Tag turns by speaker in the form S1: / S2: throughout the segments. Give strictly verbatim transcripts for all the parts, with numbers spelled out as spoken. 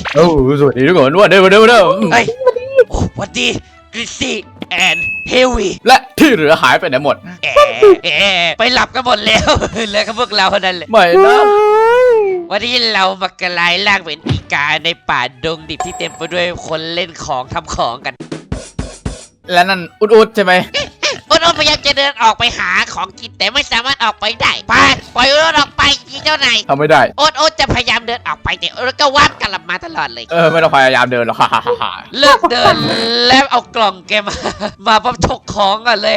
S1: โอ้สวัสดีทุกคนวันเดิมวันเดิมวันเดิม
S2: เฮ้ยโอ้สวัสดีกริซซี่แอนเฮลวี่
S1: และที่เหลือหายไปไหนหมด
S2: แอะแอะไปหลับกันหมดแล้วเหลือแค่พวกเราเท่านั้นแหละ
S1: ไม่นะ
S2: วันนี้เรามากลายร่างเป็นอีกาในป่าดงดิบที่เต็มไปด้วยคนเล่นของทำของกัน
S1: และนั่นอุดๆใช่ไหม
S2: อุดอุดพยายามจะเดินออกไปหาของกินแต่ไม่สามารถออกไปได้ไปปล่อยอุดอุดออกไปอีเจ้านาย
S1: ทำไม่ได้
S2: อุดอุดจะพยายามเดินออกไปแต่อุดอุดก็วาดกลับมาตลอดเลย
S1: เออไม่ต้องพยายามเดินหรอกฮ่าฮ่าฮ่า
S2: เลิกเดินแล้วเอากล่องแกมา มาพร้อมฉกของกันเลย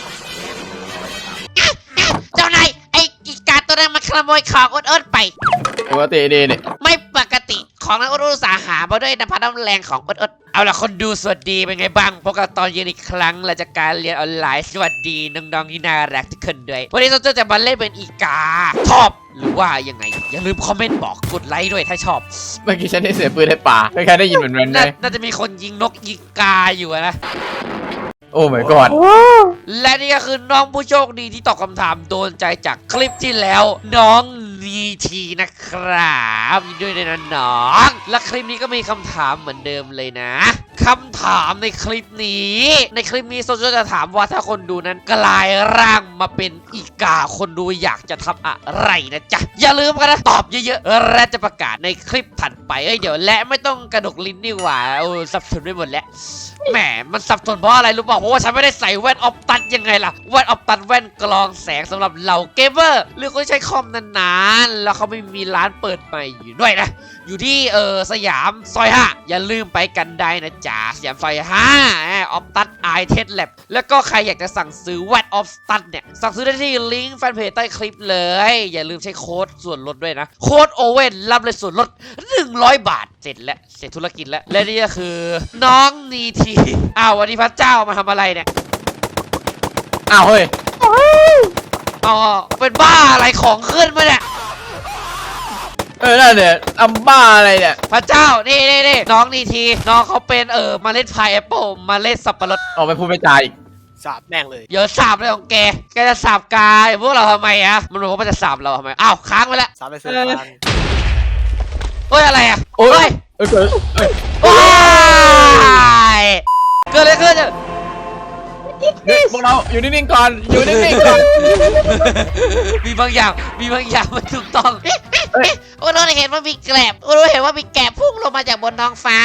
S2: อ่ะอ่ะเจ้านายไอ้อีกาตัวนั้นมาขโมยของอุดอุดไป
S1: ปกติดีนี่
S2: ไม่ปกติของนั้นอุดอุดอุตสาหามาด้วยน้ำพัดน้ำแรงของอุดอุดเอาล่ะคนดูสวัสดีเป็นไงบ้างพบกันตอนเย็นอีกครั้งหลังจากการเรียนออนไลน์สวัสดีน้องๆที่น่ารักทุกคนด้วยวันนี้เราจะมาเล่นเป็นอีกาชอบหรือว่ายังไงอย่าลืมคอมเมนต์บอกกดไลค์ด้วยถ้าชอบ
S1: เมื่อกี้ฉันได้เสียงปืนในป่าใครๆได้ยินเหมือนกันไหม
S2: นาน่าจะมีคนยิงนกอีกาอยู่อะนะ
S1: โอ้ my god
S2: และนี่ก็คือน้องผู้โชคดีที่ตอบคำถามโดนใจจากคลิปที่แล้ว น้องนีทีนะครับยินดีด้วยนะน้องและคลิปนี้ก็มีคำถามเหมือนเดิมเลยนะคำถามในคลิปนี้ ในคลิปนี้โซเชียลจะถามว่าถ้าคนดูนั้นกลายร่างมาเป็นอีกาคนดูอยากจะทำอะไรนะจ๊ะอย่าลืมกันนะตอบเยอะๆและจะประกาศในคลิปถัดไปเอ้ยเดี๋ยวและไม่ต้องกระดกลิ้นนี่หว่าโอ้สับสนไปหมดแล้วแหมมันสับสนเพราะอะไรรู้เปล่าเพราะว่าฉันไม่ได้ใส่แว่นออปตันยังไงล่ะแว่นออปตันแว่นกรองแสงสำหรับเหล่าเกมเมอร์หรือคนที่ใช้คอมนานๆแล้วเขาไม่มีร้านเปิดใหม่อยู่ด้วยนะอยู่ที่เออสยามซอยห้าอย่าลืมไปกันได้นะจ๊ะสยามซอยห้าออปตันไอเทสแลบแล้วก็ใครอยากจะสั่งซื้อแว่นออปตันเนี่ยสั่งซื้อได้ที่ลิงก์แฟนเพจใต้คลิปเลยอย่าลืมใช้โค้ดส่วนลดด้วยนะโค้ดโอเว่นรับเลยส่วนลดหนึ่งร้อยบาทเสร็จแล้วเสร็จธุรกิจแล้วและนี่ก็คือน้องนีทีอ้าววันนี้พระเจ้ามาทำอะไรเนี่ย
S1: อ้าวเฮ้ย
S2: อ๋อเป็นบ้าอะไรของขึ้นมาเนี่ย
S1: เออนั่นเนี่ยทำบ้าอะไรเนี่ย
S2: พระเจ้านี่นี่นี่น้องนีทีน้องเขาเป็นเออเมาเล่นพายแอปเปิลเมาเล่นสับปะรด
S1: ออกไปพูดไปจาอีก
S3: สาบแม่งเลย
S2: เดี๋ยวสาบเลยของแกแกจะสาบกายพวกเราทำไมอะมันบอกว่ามันจะสาบเราทำไมอ้าวค้างไปแล้ว
S3: สาบไปเสือกฟัง
S2: เฮ้ยอะไรอะ
S1: โอ้
S2: เฮ้
S1: ย
S2: ย
S1: เออเกิดเอ้ย
S2: ว้ายเกิดอะไรขึ้น
S1: เฮ้ยพวกเราอยู่นิ่งๆก่อนอยู่นิ่งๆก่อน
S2: มีบางอย่างมีบางอย่างมันถูกต้อง
S1: เฮ้ย
S2: โอ้เราเห็นว่ามีแกลบโอ้เราเห็นว่ามีแกลบพุ่งลงมาจากบนท้องฟ้า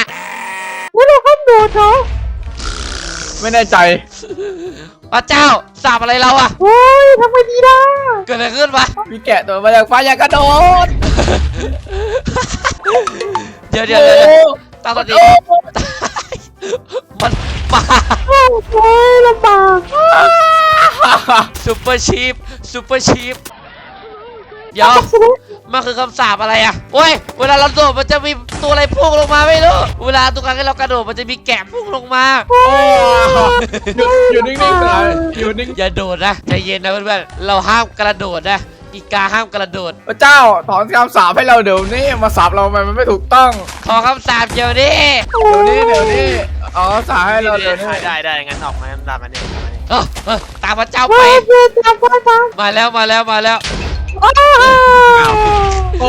S1: ไม่แน่ใจ
S2: พระเจ้าสาบอะไรเราอะ
S4: โอ้ยทำไมดีล่ะ
S2: เกิดอะไรขึ้นวะ
S1: มีแกะตัวมาจากฟ้าอยากกระโดด
S2: เดี๋ยวเดี๋ยวเดี๋ยวตาตอนนี้มันมา
S4: โอ้ยลำบาก
S2: ซูเปอร์ชีฟซูเปอร์ชีฟเดี๋ยวมันคือคำสาปอะไรอะโอ้ยเวลาเราโดดมันจะมีตัวอะไรพุ่งลงมาไม่รู้เวลาทุกครั้งที่เรากระโดดมันจะมีแกะพุ่งลงมา
S1: หยุดอยู่นิ่งๆก่อนอยู่นิ่ง
S2: อย่าโดดนะใจเย็นนะเพื่อนๆเราห้ามกระโดดนะอีกาห้ามกระโดด
S1: พระเจ้าถอนคำสาปให้เราเดี๋ยวนี้มาสาปเราทำไมมันไม่ถูกต้อง
S2: ขอคำสาปเดี๋ยวนี้
S1: เดี๋ยวนี้เดี๋ยวนี้อ๋อสาปให้เราเดี๋ยวนี้
S3: ได้ได้งั้นออกมาตามมาเนี่ย
S2: เออเออตามพระเจ้า
S4: โอ้
S2: ไป
S4: ยเพื่อนทำไปท
S2: มาแล้วมาแล้วมาแล้ว
S4: ำโอ้
S1: โอ้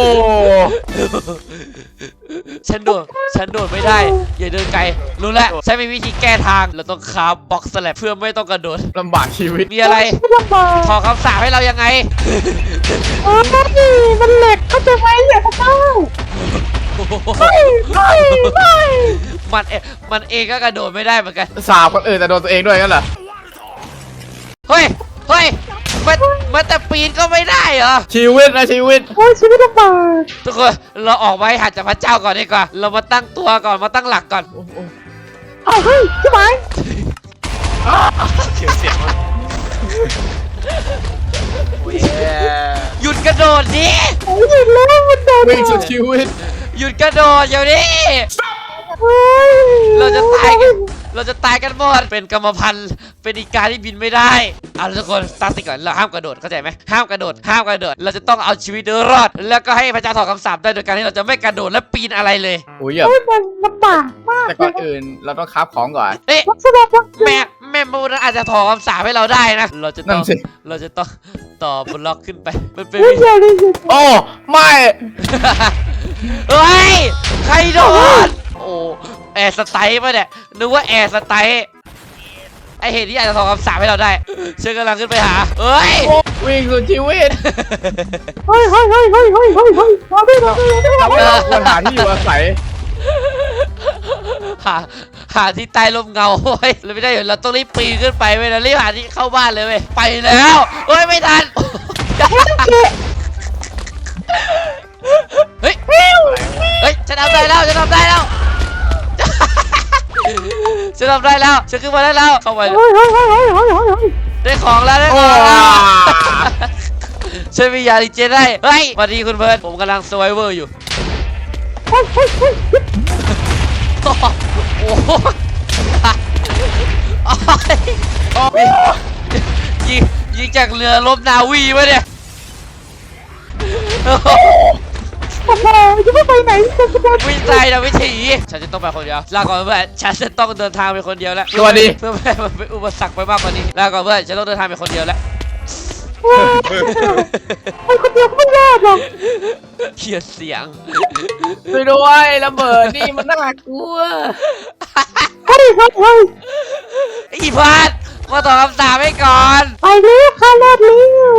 S2: ฉันโดดฉันโดดไม่ได้อย่าเดินไกลรู้แล้วฉันมีวิธีแก้ทางเราต้องคาบบ็อกซ์แลบเพื่อไม่ต้องกระโดด
S1: ลำบากชีวิต
S2: มีอะไร
S4: ไม่ลำบาก
S2: ขอคำสาปให้เรายังไง
S4: โอ้ยมันเหล็กเข้าใจไหมอย่าพระเจ้าไม่ไม่ไม่
S2: มันเอมันเองก็กระโดดไม่ได้เหมือนกัน
S1: สาบคนอื่นแต่โดนตัวเองด้วยกันเหรอ
S2: เฮ้ยเฮ้ยมันมันแต่ปีนก็ไม่ได้เหรอ
S1: ชีวิตนะชีวิต
S4: โอ้ยชีวิตลำบาก
S2: ทุกคนเราออกไว้หัดจากพระเจ้าก่อนดีกว่าเรามาตั้งตัวก่อนมาตั้งหลักก่อน
S4: เอาเฮ้ยใช่ไหม
S3: เสียงเสียงมันโอ้ย
S2: หยุดกระโดดดิ
S4: โอ้ยเห็นแล้วมันโดน
S1: วิ่งสุดชีวิต
S2: หยุดกระโดดเดี๋ยวนี้
S4: โอ้ย
S2: เราจะตายกันเราจะตายกันหมดเป็นกรรมพันธุ์เป็นอีกาที่บินไม่ได้เอาทุกคนตั้งสติก่อนเราห้ามกระโดดเข้าใจไหมห้ามกระโดดห้ามกระโดดเราจะต้องเอาชีวิตรอด แล้วก็ให้พระเจ้าถอดคำสาปได้โดยการที่เราจะไม่กระโดดและปีนอะไรเลย
S1: โอ้ยอย่า
S4: โอ้ยมันลำบากมาก
S1: แต่ก่อนอื่นเราต้องคราฟของก่อน
S2: เอ๊ะ
S4: วัสดุวัสดุ
S2: แม่แม่มูนั้นอาจจะถอดคำสาปให้เราได้นะเราจะต้
S1: นั่
S2: อน ง
S1: สิ
S2: เราจะต้องต่อบล็อกขึ้นไปมันเป็น
S4: เฮ้ย
S2: วิธี
S4: เดี๋ยวดิ
S1: โอ้ไม่
S2: เฮ้ยใครโดนโอ้แอร์สไตล์ป่ะเนี่ยนึกว่าแอร์สไตล์ไอเหตุที่อาจจะตอบคำสาปให้เราได้เชิญกำลังขึ้นไปหาเฮ้ย
S1: วิ่งสุดชีวิต
S4: เฮ้ยเฮ้ยเฮ้ยเฮ้ยเฮ้ยเฮ้ยเฮ้ยมาดิมาดิมาดิ
S1: เราควรหาที่อยู่อาศัย
S2: หาหาที่ใต้ร่มเงาเฮ้ยเราไม่ได้เราต้องรีบปีนขึ้นไปเว้ยเรารีบหาที่เข้าบ้านเลยเว้ยไปแล้วเฮ้ยไม่ทันเฮ้ยเฮ้ยฉันทำได้แล้วฉันทำได้แล้วฉันทำได้แล้วฉันขึ้นมาได้แล้วเข้าไป
S4: เฮ้ยเฮ้ยเฮ้ยเฮ้ยเฮ้ยเฮ้ย
S2: ได้ของแล้วได้ของแล้วฉันมียาดิเจนได้เฮ้ยสวัสดีคุณเพิร์ดผมกำลังสไวเวอร์อยู่โอ้โหยิงยิงจากเรือลบนาวีวะเนี่ย
S4: โอ้โหจะไม่ไปไหนจะจะ
S2: วิจัยนะวิถีฉันจะต้องไปคนเดียวลาก่อนเพื่อนฉันจะต้องเดินทางไปคนเดียวแล้ว
S1: สวัสดี
S2: เพื่อไม่ให้มันเป็นอุปสรรคไปมากกว่านี้ลาก่อนเพื่อนฉันต้องเดินทางไปคนเดียวแล้ว
S4: ไปคนเดียวก็ไม่รอดหรอก
S2: เขียนเสียง
S1: ช่วยด้วยระเบิดนี่มันน่ากลัว
S4: เฮ้ยเฮ้ยเฮ้ย
S2: อีพัดมาตอบคำถามให้ก่อน
S4: ไปเร็วค่ะรอดเร็ว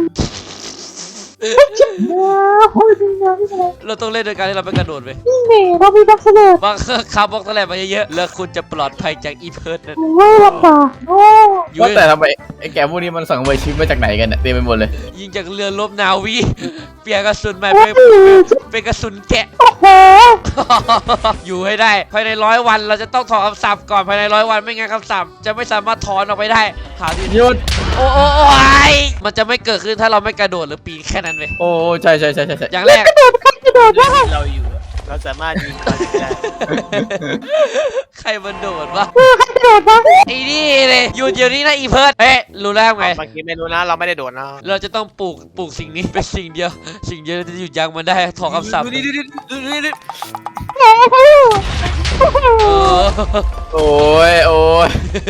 S4: จิ๊บนะโอ้ยนี่นะนี่นะ
S2: เราต้องเล่นโดยการที่เราไม่กระโดดไป
S4: นี่เน่เรามีบักเสลด
S2: บางครั้งขับบล็อกตะแลมาเยอะๆแล้วคุณจะปลอดภัยจากอีเพิร์ดนั่น
S4: โอ้ยลำบากโอ้
S2: อยู่
S1: ว่าแต่ทำไมไอ้แกพวกนี้มันสั่งเวอร์ชิปมาจากไหนกันเนี่ยเต็มไปหมดเลย
S2: ยิงจากเรือลบนาวี เปลี่ยนกระสุนใหม่
S4: โห
S2: เป็นเป็นกระสุนแกะ
S4: โอ้โห
S2: อยู่ให้ได้ภายในร้อยวันเราจะต้องถอนคำสาปก่อนภายในร้อยวันไม่งั้นคำสาปจะไม่สามารถถอนออกไปได้หาที่
S1: หยุด
S2: โอ้โอ้โอ้ยมันจะไม่เกิดขึ้นถ้าเราไม่กระโดดหรือปีนแค่นั้นเว้ย
S1: โอ้ใช่ใช่ใช่ใช่ใช่
S2: อย่างแรก
S4: กระโดดครับกระโดดได้
S3: เราอยู่อะเราสามารถยิงก่อนได้
S2: ใครมันโดดวะ
S4: เออครับกระโดดนะ
S2: ไอ้นี่เลยอยู่เดี๋ยวนี้นะอีเพิร์ดเฮ้ยรู้แล้วไง
S3: เมื่อกี้ไม่รู้นะเราไม่ได้โดดนะ
S2: เราจะต้องปลูกปลูกสิ่งนี้เป็นสิ่งเดียว สิ่งเดียวที่จะหยุดยั้งมันได้ถอนคำสาป
S3: ดูดิดูดิดูดิดูดิ
S4: โอ้โหโอ้โห
S2: เออ
S1: โอ้ยโอ้ย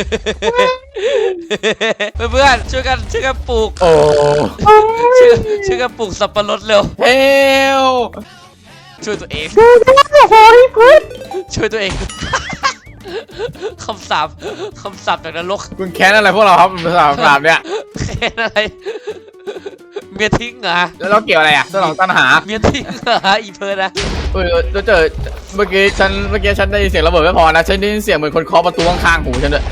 S2: เพื่อนๆช่วยกันช่วยกันปลูก
S1: โอ้
S2: ช่วยช่วยกันปลูกสับปะรดเร็ว
S1: เฮล
S2: ช่วยตัวเอง
S4: ดูนะโอ้โหเฮ้ย
S2: ช่วยตัวเอง คำสาปคำสาปจากนรก
S1: คุณแค้นอะไรพวกเราครับภาษาสามเนี่ย
S2: แค่อะไรเมียทิ้งเหรอ
S1: แล้วเราเกี่ยวอะไรอ่ะสนองตัณหา
S2: เมียทิ้งเหรออีเพิร์ดนะ
S1: เออเราเจอเมื่อกี้ฉันเมื่อกี้ฉันได้ยินเสียงระเบิดไม่พอนะฉันได้ยินเสียงเหมือนคนเคาะประตูข้างๆหูฉันด้วย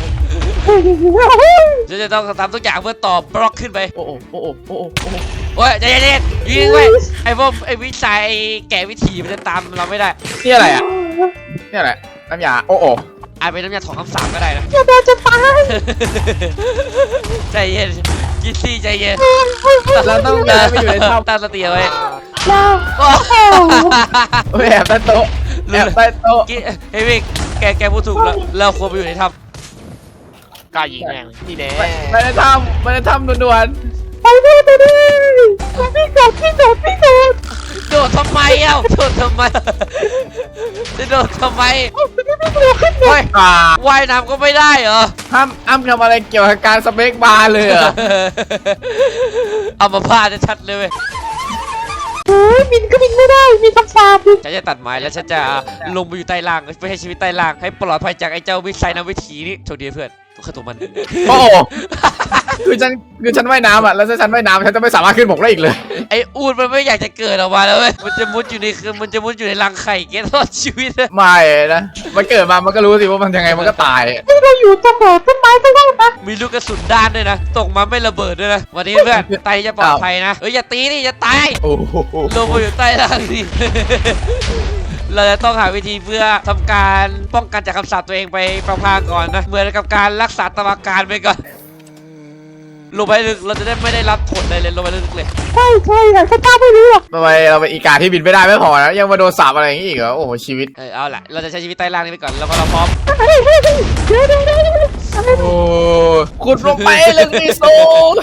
S2: ฉันจะต้องทำทุกอย่างเพื่อต่อบล็อกขึ้นไป
S1: โอ้โหโอ้โหโอ้โหโอ้โห
S2: โอ้ยใจเย็นๆยิงไว้ไอ้พวกไอ้วิสัยไอ้แก่วิถีมันจะตามเราไม่ได้
S1: นี่อะไรอ่ะนี่อะไรน้ำยาโอ้โห
S2: อาจเป็นน้ำยาถอนคำสาปก็ได้นะ
S4: จะโดนจะตาย
S2: ใจเย็นกิซซี่ใจเย็น
S1: เราต้องย้ายไปอยู่ในถ้
S2: ตั้งสติเอาไว้
S4: แล้ว
S2: โอ้
S1: ำเฮ้ยแอบใต้โต๊ะแอบใต้โต๊ะ
S2: กิเฮ้ยวิกแกแกพูดถูกแล้วเราควรไปอยู่ในถ้
S3: กล้ายิงแม่งนี่แน่
S1: ไปในถ้ำไปในถ้ำด่วน
S4: ไปดิไปดิพี่โดดพี่โดดพี่โดด
S2: ำโดดทำไมเอ้าโดดทำไมจะโดดทำไม
S4: พี่โดดขึ้น
S2: เฮ้ย
S1: ๆอ่า
S2: ว่ายน้ำก็ไม่ได้เหรอ
S1: ห้ามอ้ำทำอะไรเกี่ยวกับการสเปคบาร์เลยเหรอ
S2: เอามาพาดชัดเลยเว้ย
S4: เฮ้ยบินก็บินไม่ได้มีคำสาปดิ
S2: ฉันจะตัดไม้แล้วฉันจะลงไปอยู่ใต้ล่างไปให้ชีวิตใต้ล่างให้ปลอดภัยจากไอ้เจ้าวิสัยนวิถีนี่โชคดีเพื่อนตัวข้าตัวมัน
S1: โอ้โหคือฉันคือฉันว่ายน้ำอ่ะแล้วถ้าฉันว่ายน้ำฉันจะไม่สามารถขึ้นบกได้อีกเลย
S2: ไอ้อูดมันไม่อยากจะเกิดออกมาแล้วเว้ยมันจะมุดอยู่ในคือมันจะมุดอยู่ในรังไข่เกตลอดชีวิตเลย
S1: ไม่นะมันเกิดมามันก็รู้สิว่ามันยังไงมันก็ตาย
S4: ที่เราอยู่ตรงไหนต้นไม้ก็ได้นะ
S2: มีลูกกระสุนด้านด้วยนะตกมาไม่ระเบิดด้วยนะวันนี้เพื่อนไตจะปลอดภัยนะเอ้ยอย่าตีนี่อย่าตาย
S1: โอ้โห
S2: ลงมาอยู่ใต้ล่างนี่ เราจะต้องหาวิธีเพื่อทำการป้องกันจากคำสาปตัวเองไปพลางๆก่อนนะ เหมือนกับการรักษาตามอาการไปก่อน ลงไปลึกเราจะได้ไม่ได้รับผลอะไรเลยลงไปลึกเลย
S4: ใช่ใช่แต่ข้าเจ้าไม่รู้หรอก
S1: ทำไมเราเป็นอีกาที่บินไม่ได้ไม่พอนะยังมาโดนสาปอะไรอย่างนี้อีกเหรอโอ้โหชีวิต
S2: เออเอาล่ะเราจะใช้ชีวิตใต้ล่างนี้ไปก่อนแล้วพอเราพร้อม
S4: เฮ้ยเฮ้ยเฮ้ยเดี๋ยวเดี๋ยวเดี๋ยวเดี๋ยวอะไร
S1: โอ้ขุดลงไปลึกที่สุด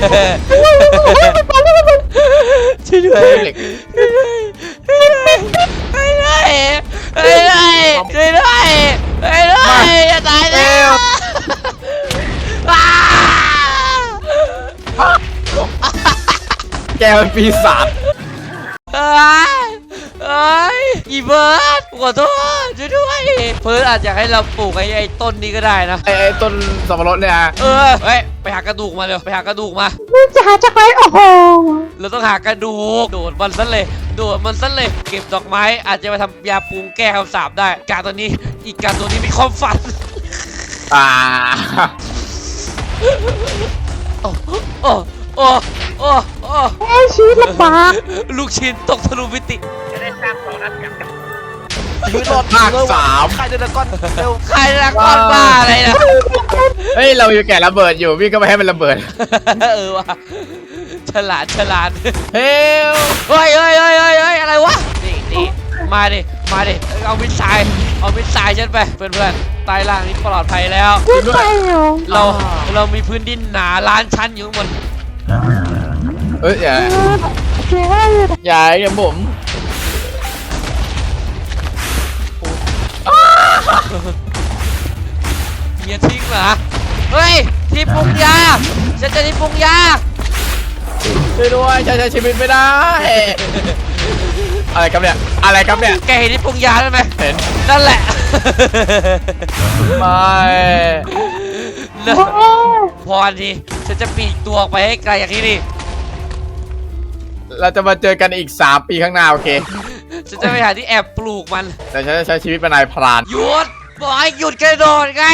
S2: ช่วยด้วย
S1: เหล็ก
S2: ช่วยด้วยช่วยด้วยช่วยด้วยช่วยด้วยช่วยด้วยอย่าตายแล้วอ้า
S1: แกเป็นปีศาจ
S2: เอ้ยเเอ้ยอีเบิร์ดขอโทษช่วยด้วยเพิร์ดอาจจะให้เราปลูกไอ้ไอ้ต้นนี้ก็ได้นะ
S1: ไอ้ไอ้ต้นสับปะรดเนี่ย
S2: เออเฮ้ยไปหากระดูกมาเร็วไปหากระดูกมา
S4: มึงจะหาจากไหนโอ้โห
S2: เราต้องหากระดูกโดดมันซะเลยโดดมันซะเลยเก็บดอกไม้อาจจะไปทำยาปรุงแก้คำสาปได้กาตัวนี้อีกกาตัวนี้มีความฝัน
S1: อ่า
S2: โอ้โอ้โอ้โอ้โอ้
S4: ไอ้ชีวิตลำบาก
S2: ลูกชิ้นตกทะลุมิติ
S3: ยืดรถ
S1: ภาคสาม
S3: ใครเดินก้อนเร็ว
S2: ใครรักก้อนบ้าอะไรนะ
S1: เฮ้ยเราอยู่แก่ระเบิดอยู่พี่ก็ไม่ให้มันระเบิด
S2: เออว่ะฉลาดฉลาด
S1: เฮ้ย
S2: เฮ้ยเฮ้ยเฮ้ยเฮ้ยเฮ้ยอะไรวะนี่นี่มาดิมาดิเอามิสไซล์เอามิสไซล์ฉันไปเพื่อนเพื่อนใต้ล่างนี้ปลอดภัยแล้ว
S4: ไม่ไปเหรอ
S2: เราเรามีพื้นดินหนาล้านชั้นอยู่ข้างบน
S1: เอ้ยอย่า
S4: เออเจ๋งมากเลย
S1: อย่าอย่าผม
S2: เมียทิ้งเหรอเฮ้ยที่ปรุงยาฉันจะที่ปรุงยา
S1: ช่วยด้วยฉันใช้ชีวิตไม่ได้ อะไรครับเนี่ยอะไรครับเนี่ย
S2: แกเห็นที่ปรุงยาได้ไหม
S1: เห็น
S2: นั่นแหละ
S1: ไม่
S2: นะ
S4: โอ้โห
S2: พอดีฉันจะปีกตัวออกไปให้ไกลจากที่นี่
S1: เราจะมาเจอกันอีกสามปีข้างหน้าโอเค
S2: ฉันจะไปหาที่แอบปลูกมัน
S1: แต่ฉันจะใช้ชีวิตเป็นนายพราน
S2: หยุดบอกให้หยุดกระโดดไง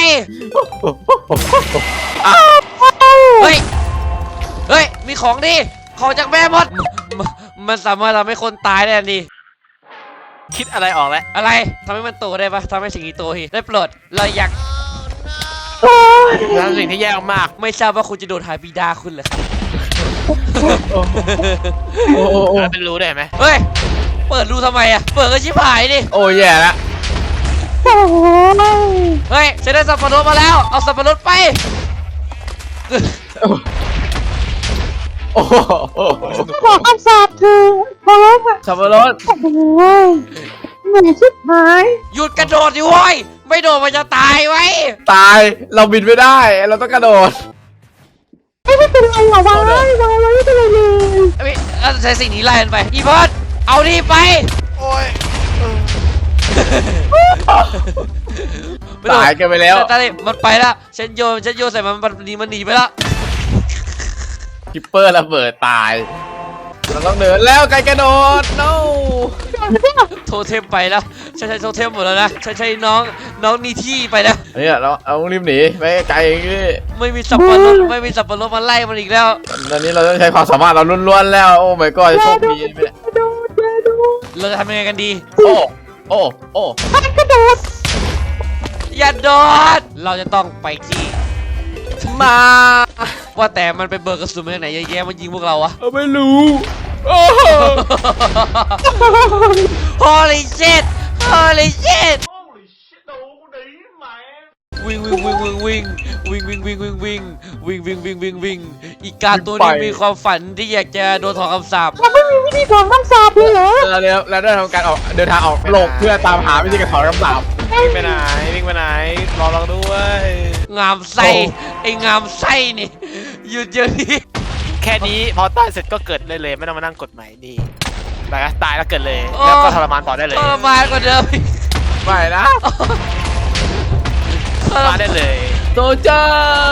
S2: เฮ้ยเฮ้ยมีของดีของจากแม่มดมมันสามารถทำให้คนตายได้ทันที
S3: คิดอะไรออกแล้ว
S2: อะไรทำให้มันโตได้ปะทำให้สิ่งนี้โตทีได้โปรดเราอยาก
S4: โอ้ย
S3: แล้วสิ่งที่แย่มาก
S2: ไม่ทราบว่าคุณจะโดนหายบิดาคุณเหรอครับ
S1: โอ้โอ้โอ้
S3: แล้วเป็นรู้ได้ไหม
S2: เฮ้ยเปิดรูทำไมอะเปิดก็ชิบหายดิ
S1: โอ้แย่ละ
S4: โอ้โห
S2: เฮ้ยฉันได้สับปะรดมาแล้วเอาสับปะรดไป
S1: โอ้โห
S4: บอกคำสาปเธอพร้อมอ่ะ
S1: สับปะรด
S4: โอ้โหเหนื่อยชิบหาย
S2: หยุดกระโดดดิโว้ยไม่โดดมันจะตายไว้
S1: ตายเราบินไม่ได้เราต้องกระโดด
S4: ไม่ไม่เป็นไรหรอวะวะไม่เป็นไรเลย
S2: เอ้ยเอาใช้สิ่งนี้ไล่มันไปอีเพิร์ดเอานี่ไป
S3: โอ้ย
S2: ไม่โดด
S1: ตายกันไปแล้ว
S2: ตายมันไปแล้วฉันโยนฉันโยนใส่มันมันหนีมันหนีไปแล้ว
S1: คิปเปอร์ระเบิดตายเราต้องเดินแล้วไกลกระโดด no
S2: โทเทมไปแล้วฉันใช้โทเทมหมดแล้วนะฉันใช้น้องน้องนีที่ไปแล้ว
S1: เนี่ยเราเอารีบหนีไปไกลอย่างนี้
S2: ไม่มีสับปะรดไม่มีสับปะรดมาไล่มันอีกแล้ว
S1: ตอนนี้เราต้องใช้ความสามารถเราล้วนๆแล้วโอ้ my god โชคดีไหมเนี่ย
S4: ดูดูดู
S2: เราจะทำยังไงกันดี
S1: โอ้โอ้โอ้
S4: มันกระโดด
S2: อย่าโดดเราจะต้องไปที่
S1: มา
S2: ว่าแต่มันไปเบิกกระสุนมาจากไหนเยอะแยะมันยิงพวกเราอะ
S1: ไม่รู้โอ้
S2: Holy shit Holy shit วิ่งวิ่งวิ่งวิ่งวิ่งวิ่งวิ่งวิ่งวิ่งวิ่งวิ่งวิ่งวิ่งวิ่งวิ่งอีกาตัวนี้มีความฝันที่อยากจะโดนถอนคำสาป
S4: เราไม่มีวิธีถอนคำสาปเลยเหรอ
S1: เราเดินเราได้ทำการออกเดินทางออกโลกเพื่อตามหาวิธีการถอนคำสาป
S3: วิ่งไปไหนวิ่งไปไหนรอเราด้วย
S2: งามไส้ไอ้งามไส้นี่หยุดเดี๋ยวนี้
S3: แค่นี้พอตายเสร็จก็เกิดเลยเลยไม่ต้องมานั่งกดใหม่นี่ตายก็ตายแล้วเกิดเลยแล้วก็ทรมานต่อได้เลย
S2: ทรมานกว่าเดิมอีก
S1: ไม่นะ
S2: ทร
S3: มา
S2: มา
S3: ได้
S2: น
S3: เลย
S1: โซเจอร์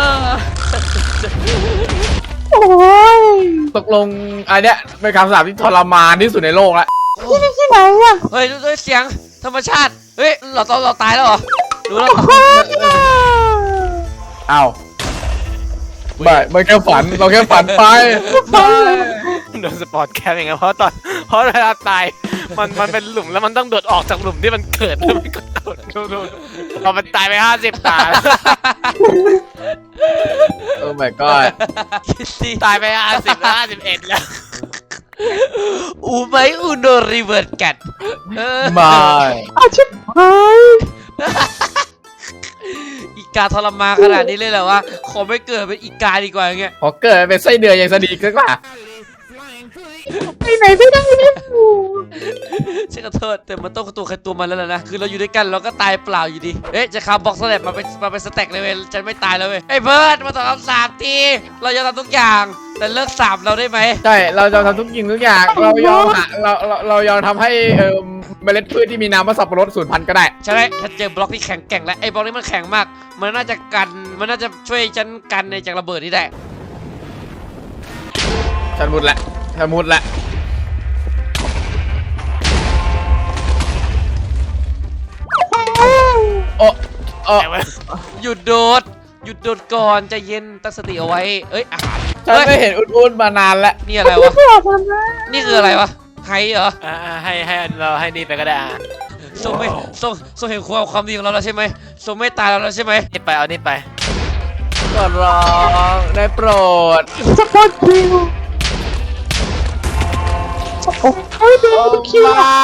S4: โอ้ย
S1: ตกลงอันเนี้ยเป็นคำสาปที่ทรมานที่สุดในโลกแล้ว
S4: ที่นี่ที่ไหนอ่ะ
S2: เฮ้ยด้วยเสียงธรรมชาติเฮ้ยเราตอนเราตายแล้วเหรอรู้แล้ว
S1: อ้าวไม่ไม่แค่ฝันเราแค่ฝันไปไม่
S3: โดนสปอร์ตแคมอย่างเงี้ยเพราะตอนเพราะเวลาตายมันมันเป็นหลุมแล้วมันต้องโดดออกจากหลุมที่มันเกิดแล้วมันก็โดดโดดโดดเรามันตายไปห้าสิบตา
S1: โอ้ my god
S2: คิดสิ
S3: ตายไปห้าสิบห้าสิบเอ็ดแล้ว
S2: อูไหมอูโนรีเวิร์ดกัดเออ
S1: ไม่
S4: อาชิบหาย
S2: อีกาทรมานขนาดนี้เลยเหรอวะขอไม่เกิดเป็นอีกาดีกว่าอย่างเงี้ย
S1: พอเกิดเป็นไส้เดือนยังสดีกว่า
S4: ไปไหนไหนไม่ได้เลย
S2: ฉันขอโทษแต่มันต้องตัวใครตัวมันแล้วล่ะนะคือเราอยู่ด้วยกันเราก็ตายเปล่าอยู่ดีเอ๊ะจะคาบ็อกสแลบมาเป็นมาเป็นสแต็กเลยเว้ยฉันไม่ตายแล้วเว้ยไอ้เบิร์ดมาตอบคำสาปทีเราจะทำทุกอย่างแต่เลิกสาปเราได้ไหม
S1: ใช่เราจะทำทุกยิงทุกอย่างเรายอมหาเราเราเรายอมทำให้เอ่อเมล็ดพืชที่มีน้ำว่าสับปะรดสูญพันธุ์ก็ได้
S2: ใช่ไหมถ้าเจอบล็อกที่แข็งแกร่งแล้วไอ้บล็อกนี้มันแข็งมากมันน่าจะกันมันน่าจะช่วยฉันกันในจากระเบิดนี้ได้
S1: ฉันมุดละฉันมุดละโอ้โอ้
S3: แต่ว่า
S2: หยุดโดดหยุดโดดก่อนใจเย็นตั้งสติเอาไว้เอ้ยอาหาร
S1: ฉันไม่เห็นอุ่นๆมานานแล้ว
S2: นี่อะไรวะ
S4: ไม่บอกมันนะ
S2: นี่คืออะไรวะไฮเหรอ
S3: อ่าให้ให้เราให้นี่ไปก็ได้อ่ะ
S2: ทรงไม่ทรงทรงเห็นความความดีของเราแล้วใช่ไหมทรงไม่ตายเราแล้วใช่ไหม
S3: นี่ไปเอานี่ไป
S1: ก็ร้องได้โปรด
S4: สปอร์ตคิวโอ้โหเดี๋ยวคิว
S1: มา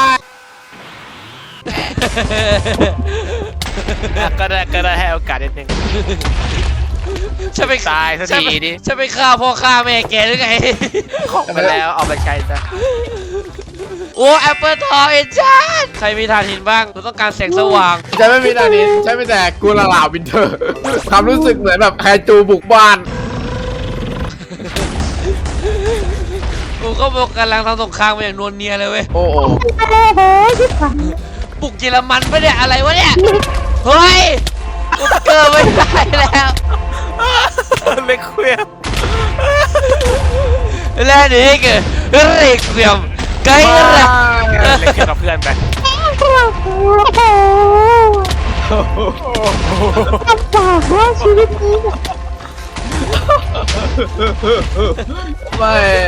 S3: อ่ะก็ได้ก็ได้ให้โอกาสนิดนึง
S2: ฉันไป
S3: ตายสัก
S2: ฉัน
S3: ที
S2: ไป
S3: ดิ
S2: ฉันไปฆ่าพ่อฆ่าแม่แกหรือไง
S3: ของมาแล้วเอาไปใช้ซะ
S2: โอ้แอปเปิลทองเอ็นจานใครมีทานหินบ้างเราต้องการแสงสว่าง
S1: ฉันไม่มีตอนนี้ฉันไม่แต่กูละลาวินเทอร์ ความรู้สึกเหมือนแบบไฮจูบุกบ้าน
S2: กูก็บอกกำลังทำสงครามมาอย่างนวลเนียเลยเว้ย
S1: โอ้โห
S4: โอ้โหที่ผ่าน
S2: บุกเยอรมันไปะเนี่ยอะไรวะเนี่ยเฮ้ยกูเกิดไม่ได้แล้ว
S3: เล็กเคลียร์
S2: และนี่คือเรียกเวียมไกด์ระ
S3: เล็กเคลียร์กับเพื่อนไป
S4: โอ้โหลำบากมากชีวิตนี้
S1: ไม่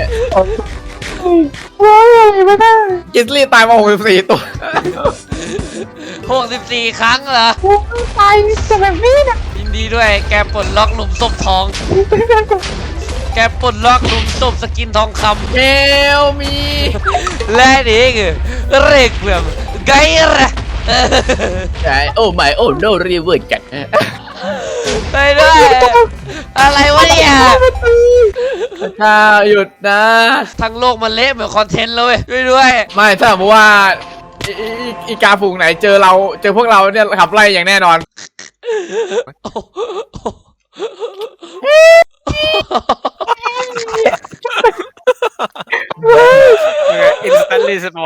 S4: ว้าวอะไรไม่ได้
S1: กิสลี่ตายมาหกสิบสี่ตัว
S2: หกสิบสี่ครั้งเหรอ
S4: โอ้ยตายจะแบบนี้นะ
S2: ยินดีด้วยแกปลดล็อกหลุมศพทอง แกปลดล็อกหลุมศพสกินทองค
S1: เกลมี
S2: ำและนี่คือเรียกเวียมไกด์ระ
S1: ใช่โอ้ไม่โอ้โนรีเวิร์ดกัน
S2: ไปด้วยอะไรวะเนี่ย
S1: ถ้าหยุดนะ
S2: ทั้งโลกมันเละเหมือนคอนเทนต์เลยช่วยด้วย
S1: ไม่ถ้าสมมติว่าอีอีอีกาฝูงไหนเจอเราเจอพวกเราเนี่ยขับไล่อย่างแน่นอน
S3: อินสแตนลีสปอน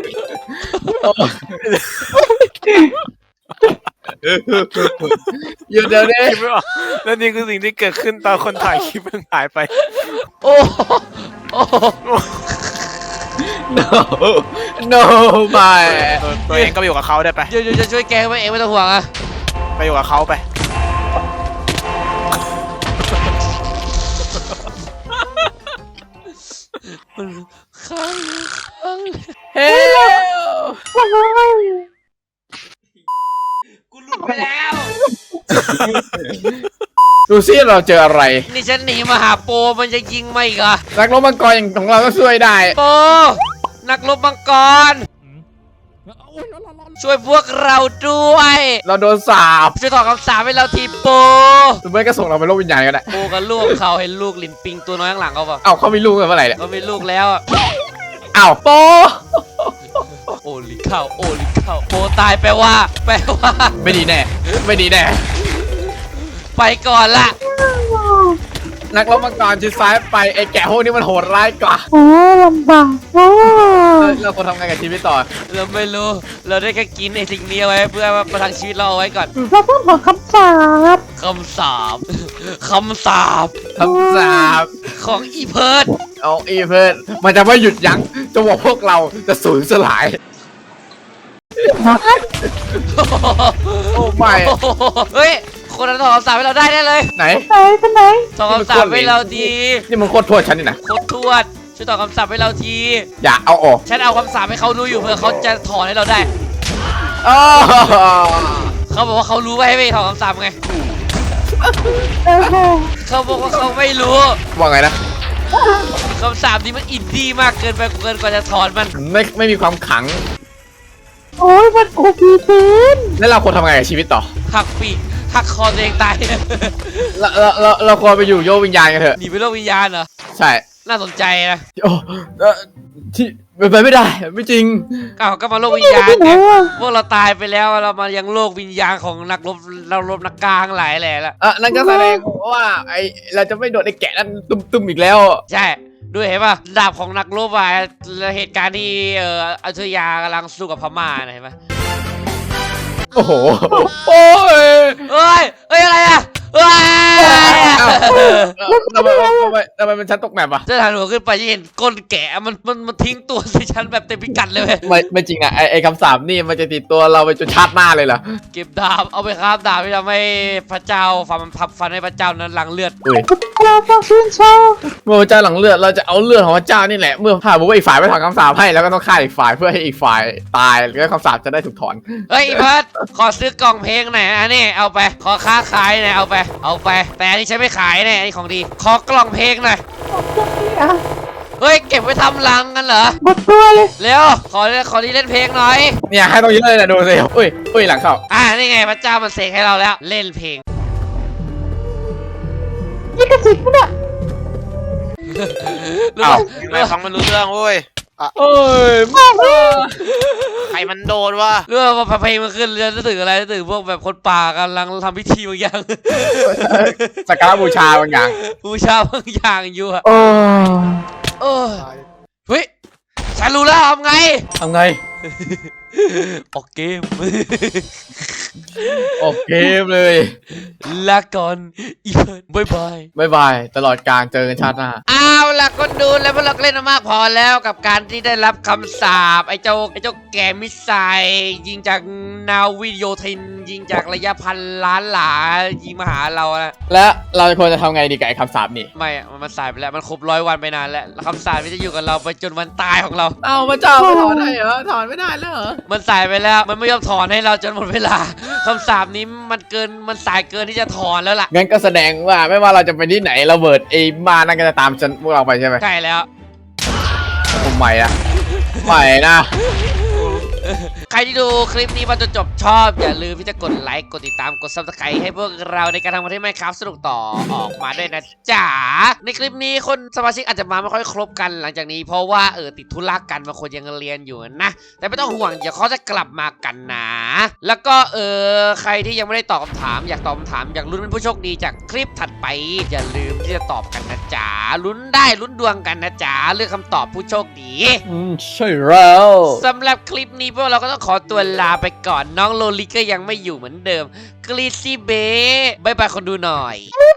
S1: หยุดเดี๋ยวนี้
S3: คิดไม่ออกแล้วนี่คือสิ่งที่เกิดขึ้นตอนคนถ่ายคลิปเพิ่งหายไป
S2: โอ้โอ้
S1: no no ไม่
S3: ตัวเองก็ไปอยู่กับเขาได้ไป
S2: เดี๋ยวจะช่วยแกไว้เองไม่ต้องห่วงอะ
S3: ไปอยู่กับเขาไป
S2: ข้างข้าง
S1: เฮ้ย
S2: กูหลุดไปแล้ว
S1: ดูซิเราเจออะไร
S2: นี่ฉันหนีมาหาโปมันจะยิงมาอีกเหรอ
S1: นักรบมังกรอย่างของเราก็ช่วยได้
S2: โปนักรบมังกรช่วยพวกเราด้วย
S1: เราโดนสาบ
S2: ช่วยถอดคำสาปให้เราทีโป
S1: หรือไม่ก็ส่งเราไปโลกวิญญาณก็ได้
S2: โปกับลูกเขาเห็นลูกลินปิงตัวน้อยข้างหลังเขาปะ
S1: เอ้าเขามีลูกกันเมื่อไหร่เนี่ย
S2: เขามีลูกแล้วอะ
S1: เอ้าโป
S2: โอลิข้าวโอลิข้าวโปตายแปลว่า แปลว่า
S1: ไม่ดีแน่ ไม่ดีแน่
S2: ไปก่อนละ
S1: นักรบมังกรชิดซ้ายไปไอ้แกะพวกนี้มันโหดร้ายกว่า
S4: โอ้ลำบากโอ้
S1: เราเราควรทำไงกับชีวิตต่อ
S2: เราไม่รู้เราได้แค่กินไอ้สิ่งนี้เอาไว้เพื่อมาประทังชีวิตเราเอาไว้ก่อน
S4: เราต้องบอกคำสาบ
S2: คำสาปคำสาป
S1: คำสาบ
S2: ของอีเพิร์ด
S1: เอาอีเพื่อนมันจะไม่หยุดยั้งจะบอกพวกเราจะสูญสลาย โอ้ไม่
S2: โอ้โหเฮ้ยคนนั้นถอดคำสาปให้เราได้แน่เลย
S1: ไหน
S4: ไหนเป็นไหน
S2: ถอดคำสาปให้เราที
S1: นี่มันโคตรโทษฉันนี่นะ
S2: โคตรทวดช่วยถอดคำสาปให้เราที
S1: อย่าเอาออก
S2: ฉันเอาคำสาปให้เขาดูอยู่เพื่อเขาจะถอนให้เราได้
S1: อ้อ
S2: เขาบอกว่าเขารู้ว่าให้ไม่ถอดคำสาปไง
S4: โอ้โห
S2: เขาบอกว่าเขาไม่รู้
S1: ว่าไงนะ
S2: คำสาปนี้มันอินดี้มากเกินไปเกินกว่าจะถอนมัน
S1: ไม่ไม่มีความขัง
S4: โอ้ยมันโอพีเกิน
S1: แล้วเราควรทำไงกับชีวิตต่อ
S2: หักปีกหักคอตัวเองตาย
S1: เราเราเราเราควรไปอยู่โยกวิญญาณกันเถอะ
S2: หนีไปโลกวิญญาณเหรอ
S1: ใช่
S2: แน่าสนใจนะ
S1: โอ้เอ่อที่เป็นไปไม่ได้ไม่จริง
S2: อ้าวก็มาโลกวิญญาณไงพวกเราตายไปแล้วเรามายังโลกวิญญาณของนักรบเรารบนักกลางหลายแหล่ละ
S1: อ่ะนั่นก็แสดงว่าไอเราจะไม่โดนไอ้แกะนั่นตุ้มๆอีกแล้ว
S2: ใช่ด้วยเห็นป่ะดาบของนักรบอะเหตุการณ์ที่เอ่ออยุธยากำลังสู้กับพม่านะเห็นป่ะ
S1: โอ้โหโอ้ย
S2: เอ้ยเอ้ยอะไรอะเอ้ย
S1: อ้าวทำไมทำไมทำไมมันชั้นตกแมปอ่ะ
S2: จะหันหัวขึ้นไปจะเห็นก้นแกะมันมันมันทิ้งตัวใส่ฉันแบบเต็มพิกัดเลยเว้ย
S1: ไม่ไม่จริงอ่ะไอไอคำสาปนี่มันจะติดตัวเราไปจนชาติหน้าเลยเหรอ
S2: เก็บดาบเอาไปครับดาบที่ทำให้พระเจ้าฟันมันพับฟันให้พระเจ้านั้นหลังเลือด
S1: อุ้ย
S4: เราต้องชื่นชอบ
S1: เมื่อพระเจ้าหลังเลือดเราจะเอาเลือดของพระเจ้านี่แหละเมื่อถ้าบอกว่าอีกฝ่ายไม่ถอนคำสาปให้แล้วก็ต้องฆ่าอีกฝ่ายเพื่อให้อีกฝ่ายตายแล้วคำสาปจะได้ถูกถอน
S2: เฮ้ยเพิร์ดขอซื้อกล่องเพลงหน่อยอันนี้เอาไปขอค้าขายหน่อยเอาไปเอาไปแต่อันนี้ฉันไม่ขายเนี่ยอันนี้ของดีขอกล่องเพลงหน่อย
S4: อ่ะ
S2: เฮ้ยเก็บไว้ทำรังกันเหรอ
S4: หมดตัวเลย
S2: เร็วขอขอที่เล่นเพลงหน่อย
S1: เนี่ยให้ต้องเยอะเลยนะดูสิอุ้ยอุ้ยหลังเข้า
S2: อ่านี่ไงพระเจ้ามันเสกให้เราแล้วเล่นเพลง
S4: นี่กระสิบเนี่ย
S2: รู้
S1: อ้าว
S2: ป่ะ
S3: ไม่ฟังมันรู้เรื่องเว้ย
S1: เอ้ย
S3: ใครมันโดนวะ
S2: รู้ป่ะพอเพลงมันขึ้นจะนึกถึงอะไรนึกถึงพวกแบบคนป่ากำลังทำพิธีบางอย่าง
S1: สักการะบูชาบางอย่าง
S2: บูชาบางอย่างอยู่อะ
S1: โอ้
S2: เออเฮ้ยฉันรู้แล้วทำไง
S1: ทำไง
S2: ออกเกม
S1: ออกเกมเลย
S2: ลาก่อนอีเพิร์ดบายบาย
S1: บายบายตลอดการเจอกันชาติหน้า
S2: เอาล่ะคนดูแล้วพวกเราก็เล่นมามากพอแล้วกับการที่ได้รับคำสาปไอ้เจ้าไอ้เจ้าแก่มิสไซล์ยิงจากนาวิโยธินยิงจากระยะพันล้านหลายิงมาหาเรานะ
S1: และเราควรจะทำไงดีกับไอ้คำสาปนี่
S2: ไม่อะมันมันสายไปแล้วมันครบร้อยวันไปนานแล้วแล้วคำสาปมันจะอยู่กับเราไปจนวันตายของเรา
S1: เอ้าพระเจ้าไม่ถอนได้เหรอถอนไม่ได้แล้วเหรอ
S2: มันสายไปแล้วมันไม่ยอมถอนให้เราจนหมดเวลาคำสาปนี้มันเกินมันสายเกินที่จะถอนแล้วล่ะ
S1: งั้นก็แสดงว่าไม่ว่าเราจะไปที่ไหนเราเบิดไอ้มานั่นก็จะตามฉันพวกเราไปใช่ไหม
S2: ใช่แล้ว
S1: ผมใหม่นะใหม่นะ
S2: ใครที่ดูคลิปนี้มาจนจบชอบอย่าลืมที่จะกดไลค์กดติดตามกด ซับสไครบ์ ให้พวกเราในการทำคอนเทนต์ Minecraft สนุกต่อออกมาด้วยนะจ๊ะในคลิปนี้คนสมาชิกอาจจะมาไม่ค่อยครบกันหลังจากนี้เพราะว่าเออติดธุระกันบางคนยังเรียนอยู่นะแต่ไม่ต้องห่วงเดี๋ยวเขาจะกลับมากันนะแล้วก็เออใครที่ยังไม่ได้ตอบคำถามอยากตอบคำถามอยากลุ้นเป็นผู้โชคดีจากคลิปถัดไปอย่าลืมที่จะตอบกันนะจ๊ะลุ้นได้ลุ้นดวงกันนะจ๊ะเลือกคำตอบผู้โชคดี
S1: อืมใช่แล้ว
S2: สำหรับคลิปนี้พวกเราก็ต้องขอตัวลาไปก่อนน้องโลลิก็ยังไม่อยู่เหมือนเดิมกรีซี่เบย์บายบายคนดูหน่อย